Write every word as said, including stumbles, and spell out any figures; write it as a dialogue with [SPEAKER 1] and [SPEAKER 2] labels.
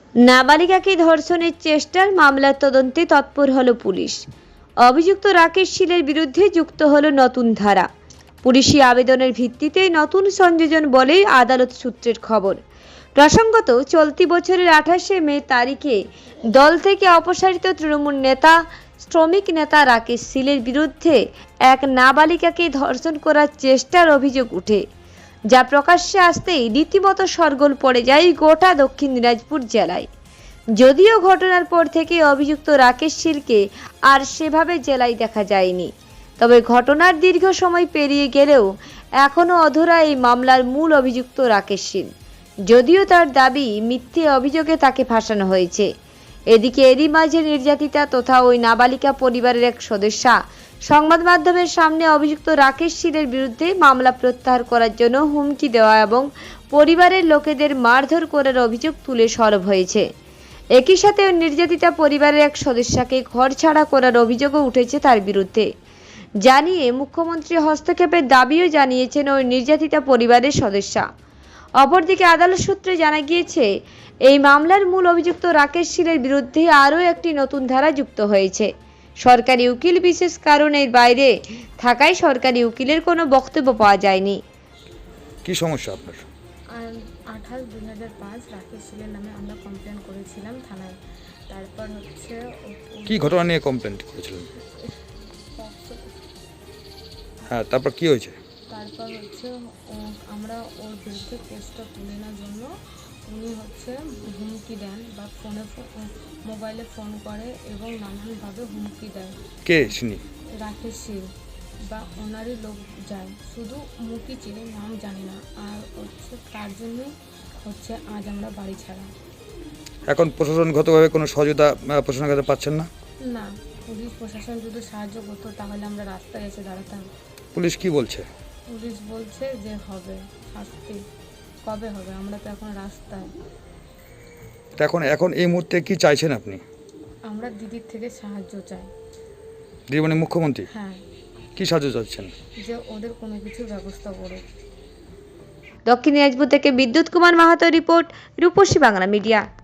[SPEAKER 1] নাবালিকাকে ধর্ষণের চেষ্টার মামলার তদন্তে তৎপর হলো পুলিশ। অভিযুক্ত রাকেশ শীলের বিরুদ্ধে যুক্ত হলো নতুন ধারা। পুলিশি আবেদনের ভিত্তিতে নতুন সংযোজন বলেই আদালত সূত্রের খবর। প্রসঙ্গত, চলতি বছরের আঠাশে মে তারিখে দল থেকে অপসারিত তৃণমূল নেতা শ্রমিক নেতা রাকেশ শীলের বিরুদ্ধে এক নাবালিকাকে ধর্ষণ করার চেষ্টার অভিযোগ উঠে, যা প্রকাশ্যে আসতেই রীতিমতো শোরগোল পড়ে যায় গোটা দক্ষিণ দিনাজপুর জেলায়। যদিও ঘটনার পর থেকে অভিযুক্ত রাকেশ শীলকে আর সেভাবে জেলায় দেখা যায়নি, তবে ঘটনার দীর্ঘ সময় পেরিয়ে গেলেও এখনও অধরা এই মামলার মূল অভিযুক্ত রাকেশ শীল। যদিও তার দাবি মিথ্যে অভিযোগে তাকে ফাঁসানো হয়েছে। এদিকে এরই মাঝে নির্যাতিতা তথা ওই নাবালিকা পরিবারের এক সদস্যা সংবাদ মাধ্যমের সামনে অভিযুক্ত রাকেশ শীলের বিরুদ্ধে মামলা প্রত্যাহার করার জন্য হুমকি দেওয়া এবং পরিবারের লোকেদের মারধর করার অভিযোগ তুলে সরব হয়েছে। একই সাথে ওই নির্যাতিতা পরিবারের এক সদস্যকে ঘর ছাড়া করার অভিযোগও উঠেছে তার বিরুদ্ধে। জানিয়ে মুখ্যমন্ত্রী হস্তক্ষেপের দাবিও জানিয়েছেন ওই নির্যাতিতা পরিবারের সদস্যা। অপরদিকে আদালত সূত্রে জানা গিয়েছে, এই মামলার মূল অভিযুক্ত রাকেশ শীলের বিরুদ্ধে আরও একটি নতুন ধারা যুক্ত হয়েছে। সরকারি উকিল বিশেষ কারণের বাইরে থাকায় সরকারি উকিলের কোনো বক্তব্য পাওয়া যায়নি।
[SPEAKER 2] কি সমস্যা আপনার?
[SPEAKER 3] আঠাশ দুই হাজার পাঁচ রাকেশ শীলের নামে আমরা কমপ্লেন করেছিলাম থানায়। তারপর হচ্ছে
[SPEAKER 2] কি ঘটনা নিয়ে কমপ্লেন করেছিলেন? হ্যাঁ, তারপর কি হয়েছে?
[SPEAKER 3] তারপর হচ্ছে আমরা ওর বিরুদ্ধে কেসটা তুলে নেওয়ার জন্য উনি হচ্ছে হুমকি দেন বা ফোনে মোবাইলে ফোন করে এবং নানানভাবে হুমকি দেয়।
[SPEAKER 2] কে শুনি?
[SPEAKER 3] রাকেশ শীল বা ওনারই লোক যায়, শুধু মুখই চিনি, নাম জানি না। আর হচ্ছে তার জন্যই হচ্ছে আজ আমরা বাড়ি ছাড়া।
[SPEAKER 2] এখন প্রশাসনগতভাবে কোনো সহযোগিতা প্রশাসনের কাছে পাচ্ছেন না?
[SPEAKER 3] না, পুলিশ প্রশাসন যদি সাহায্য করতো তাহলে আমরা রাস্তায় এসে দাঁড়াতাম।
[SPEAKER 2] পুলিশ কি বলছে?
[SPEAKER 3] পুলিশ বলছে যে হবে শাস্তি, কবে হবে? আমরা তো এখন রাস্তায়।
[SPEAKER 2] তা এখন এখন এই মুহূর্তে কি চাইছেন আপনি?
[SPEAKER 3] আমরা দিদির থেকে সাহায্য চাই।
[SPEAKER 2] দিদি মানে মুখ্যমন্ত্রী?
[SPEAKER 3] হ্যাঁ।
[SPEAKER 2] কি সাহায্য চাচ্ছেন?
[SPEAKER 3] যে ওদের কোনো কিছুর ব্যবস্থা করুক।
[SPEAKER 1] দক্ষিণ দিনাজপুর থেকে বিদ্যুৎ কুমার মাহাতো রিপোর্ট, রূপসী বাংলা মিডিয়া।